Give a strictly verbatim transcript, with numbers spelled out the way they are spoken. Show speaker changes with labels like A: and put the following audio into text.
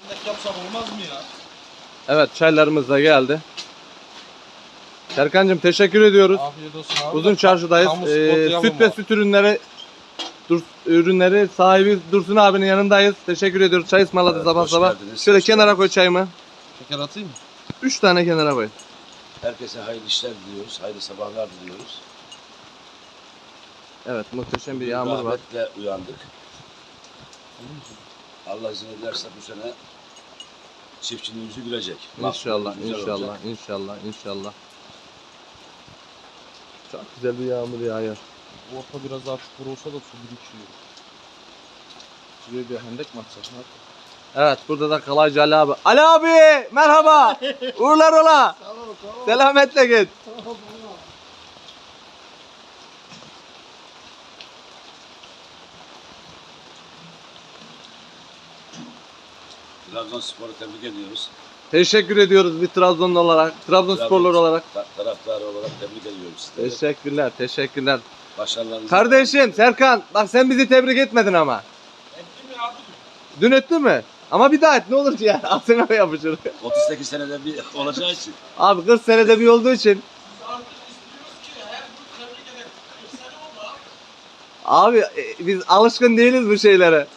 A: Yapsam olmaz mı ya?
B: Evet, çaylarımız da geldi. Serkan'cığım teşekkür ediyoruz.
A: Afiyet olsun abi.
B: Uzun Çarşı'dayız.
A: Kamu
B: Ee,
A: spotu yapalım
B: süt ve
A: abi.
B: süt ürünleri dur, ürünleri sahibi Dursun abinin yanındayız. Teşekkür ediyoruz. Çay ısmarladı
C: Evet,
B: sabah
C: hoş
B: sabah.
C: geldiniz,
B: Şöyle
C: hoş
B: kenara
C: geldiniz.
B: koy çayımı.
A: Şeker atayım mı?
B: Üç tane kenara koy.
C: Herkese hayırlı işler diliyoruz. Hayırlı sabahlar diliyoruz.
B: Evet, muhteşem bir
C: Bugün
B: yağmur var.
C: rahmetle uyandık. Allah izin ederse bu sene çiftçinin yüzü gülecek.
B: İnşallah,
C: Güzel
B: inşallah,
C: olacak.
B: inşallah, inşallah. Çok güzel bir yağmur yağıyor.
A: Orta biraz daha çukur olsa da su birikiyor. Şuraya bir hendek mi atsak? Ne yapalım?
B: Evet, burada da kalaycı Ali abi. Ali abi, merhaba. Uğurlar ola. Selametle git.
C: Trabzonspor'u tebrik ediyoruz.
B: Teşekkür ediyoruz bir Trabzonlu olarak, Trabzonsporlu
C: Trabzon
B: olarak.
C: ta- Taraftarı olarak tebrik ediyoruz sizleri.
B: Teşekkürler, teşekkürler.
C: Başarılarınızı...
B: Kardeşim Serkan, bak sen bizi tebrik etmedin ama.
A: Ettin mi abi?
B: Dün ettin mi? Ama bir daha et ne olur ki ya, altına yapışır.
C: otuz sekiz senede bir olacağı için.
B: Abi kırk senede bir olduğu için.
A: Biz artık istiyoruz ki her gün tebrik edelim. kırk sene oldu abi.
B: Abi e, biz alışkın değiliz bu şeylere.